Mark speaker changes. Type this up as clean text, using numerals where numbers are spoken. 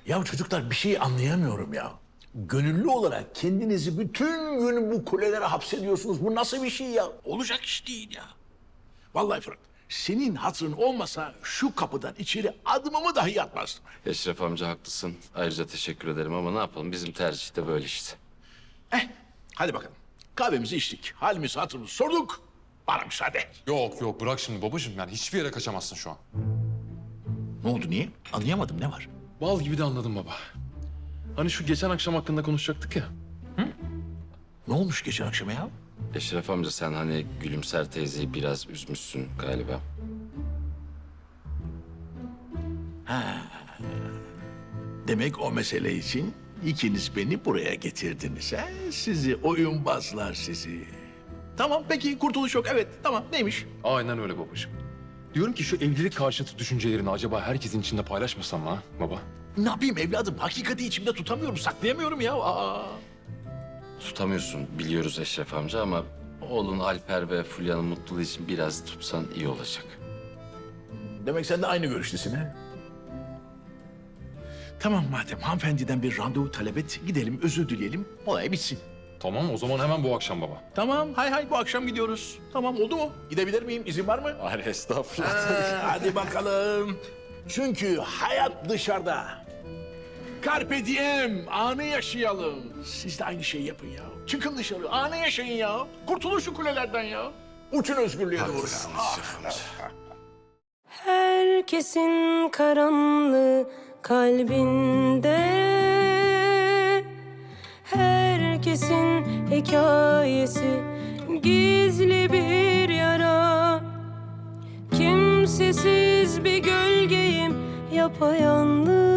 Speaker 1: Ya çocuklar bir şey anlayamıyorum ya. Gönüllü olarak kendinizi bütün gün bu kulelere hapsediyorsunuz. Bu nasıl bir şey ya? Olacak iş değil ya. Vallahi Fırat, senin hatırın olmasa şu kapıdan içeri adımımı dahi atmazdım.
Speaker 2: Eşref amca haklısın. Ayrıca teşekkür ederim ama ne yapalım? Bizim tercih de böyle işte.
Speaker 1: Hadi bakalım. Kahvemizi içtik, halimizi hatırımızı sorduk. Bana müsaade.
Speaker 3: Yok yok bırak şimdi babacığım. Yani hiçbir yere kaçamazsın şu an.
Speaker 1: Ne oldu, niye? Anlayamadım, ne var?
Speaker 3: Bal gibi de anladım baba. Hani şu geçen akşam hakkında konuşacaktık ya.
Speaker 1: Ne olmuş geçen akşam ya?
Speaker 2: Eşref amca sen hani Gülümser teyzeyi biraz üzmüşsün galiba.
Speaker 1: Demek o mesele için ikiniz beni buraya getirdiniz. He? Sizi oyunbazlar sizi. Tamam peki kurtuluş yok. Evet tamam neymiş?
Speaker 3: Aynen öyle babacığım. Diyorum ki şu evlilik karşıtı düşüncelerini acaba herkesin içinde paylaşmasam mı ha baba?
Speaker 1: Ne yapayım evladım? Hakikati içimde tutamıyorum, saklayamıyorum ya. Aa.
Speaker 2: Tutamıyorsun biliyoruz Eşref amca ama oğlun Alper ve Fulya'nın mutluluğu için biraz tutsan iyi olacak.
Speaker 1: Demek sen de aynı görüştesin he? Tamam madem hanımefendiden bir randevu talep et. Gidelim özür dileyelim. Olay bitsin.
Speaker 3: Tamam o zaman hemen bu akşam baba.
Speaker 1: Tamam hay bu akşam gidiyoruz. Tamam oldu mu? Gidebilir miyim? İzin var mı?
Speaker 3: Hayır estağfurullah.
Speaker 1: Hadi bakalım. Çünkü hayat dışarıda. Carpe diem, anı yaşayalım. Siz de aynı şeyi yapın ya. Çıkın dışarı, anı yaşayın ya. Kurtulun şu kulelerden ya. Uçun özgürlüğe doğru ya.
Speaker 4: Herkesin karanlığı kalbinde, herkesin hikayesi gizli bir yara. Kimsesiz bir gölgeyim yapayalnız.